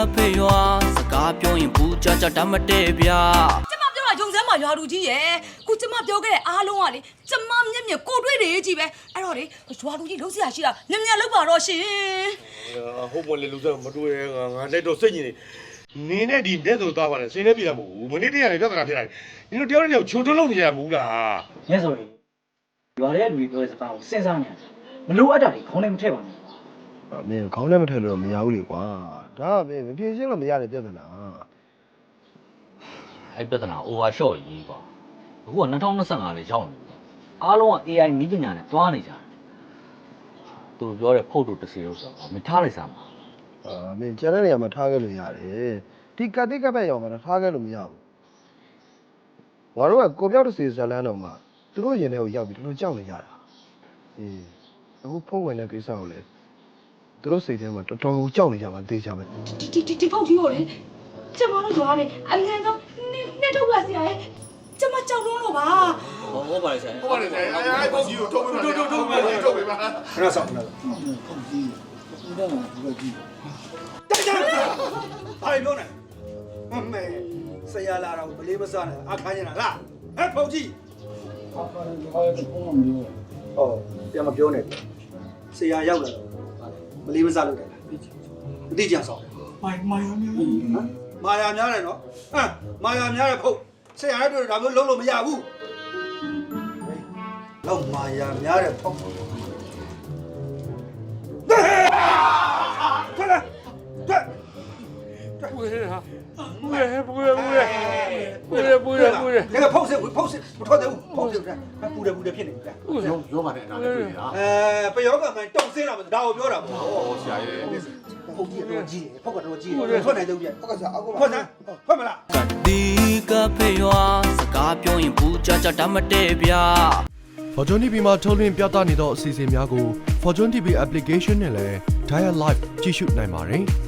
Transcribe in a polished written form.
ဖေရွာစကားပြောရင်ဘူးကြတတ်မတည့်ဗျာကျမပြောတာဂျုံစမ်းမှာရွာလူကြီးရဲ့ခုကျမပြောခဲ့တဲ့အားလုံးကလေကျမမျက်မျက်ကိုတွေ့တယ်ကြီးပဲအဲ့တော့လေရွာလူကြီးလုံးစရာရှိတာညံ့ညံ့လောက်ပါတော့ရှင်ဟုတ်မလဲလူစားမတွေ့ငါလည်းတော့စိတ်ညစ်နေနဲ့ဒီတဲ့ဆိုသွားပါလေစင်းနေပြီလားမဟုတ်ဘူးမနေ့တည်းကလည်းပြဿနာဖြစ်လာတယ်နင်တို့တယောက်တည်းချိုးတွန်းလို့နေရဘူးလားညဆိုရင်ရွာထဲလူတွေပြောတဲ့စကားကိုစဉ်းစားနေတယ်မလို့အပ်တာတွေခေါင်းထဲမထည့်ပါနဲ့မင်းခေါင်းထဲမထည့်လို့မရဘူးလေကွာဒါကမင်းမဖြေရှင်းလို့မရတဲ့ပြဿနာအဲ့ပြဿနာ over shot ကြီးကွာအခုက2025လေးရောက်နေပြီအားလုံးက AI နည်းပညာနဲ့တွားနေကြတယ်သူပြောတဲ့ဖုတ်တို့တစ်စီလို့ဆိုတော့မထားလိုက်စမ်းပါမင်းကျန်တဲ့နေရာမှာထားခဲ့လို့ရတယ်ဒီကတိကပ်ပဲရောက်မှာထားခဲ့လို့မရဘူးငါတို့ကကိုပြောက်တစ်စီဇလန်းတော်မှာသူတို့ရင်ထဲကိုရောက်ပြီးတို့ကြောက်နေကြတာအခုဖုန်းဝင်တဲ့ကိစ္စကိုလေသူတို့စိတ်ထဲမှာတော်တော်ကိုကြောက်နေကြမှာသိကြမယ်ဒီဖုန်းကြီးကိုလေကျမတို့ရွာလေအငန်းဆုံးနဲ့ထုတ်ပါစရာရဲ့ကျမကြောက်လို့ပါဟုတ်ပါလေဆရာဟုတ်ပါလေဆရာအဲ့ပုံကြီးကိုထုတ်ပေးပါခဏဆောက်ခဏဖုန်းကြီးဒါမှမဟုတ်ဘူးဘာလို့လဲမဲဆရာလာတော့မလေးမစားနဲ့အခါကျင်လားဟဲ့ဖုန်းကြီးပြန်မပြောနဲ့ဆရာရောက်လာတော့မလေးမစားလုပ်တယ်အတိကျဆောင်မာယာများတယ်နော်မာယာများတယ်ဖုန်းဆရာတို့ဒါမျိုးလုံးလို့မရဘူးတော့မာယာများတယ်ဖုန်း不是哈，不是，这个碰死不拖的，碰死不是，不是骗你的。 有嘛的，哪里对啊？ 不要个们动身了，打我表了。 哦，是啊， 碰几多几，碰个多几，碰哪都变，碰啥？碰没了。 ဒီကဖေရွာစကားပြောရင်ဘူးကြတတ်မတည့်ဗျာ Fortune TV မှာထုတ်လွှင့်ပြသနေသောအစီအစဉ်များကို Fortune TV application နဲ့လည်း Dial Live ကြည့်ရှုနိုင်ပါတယ်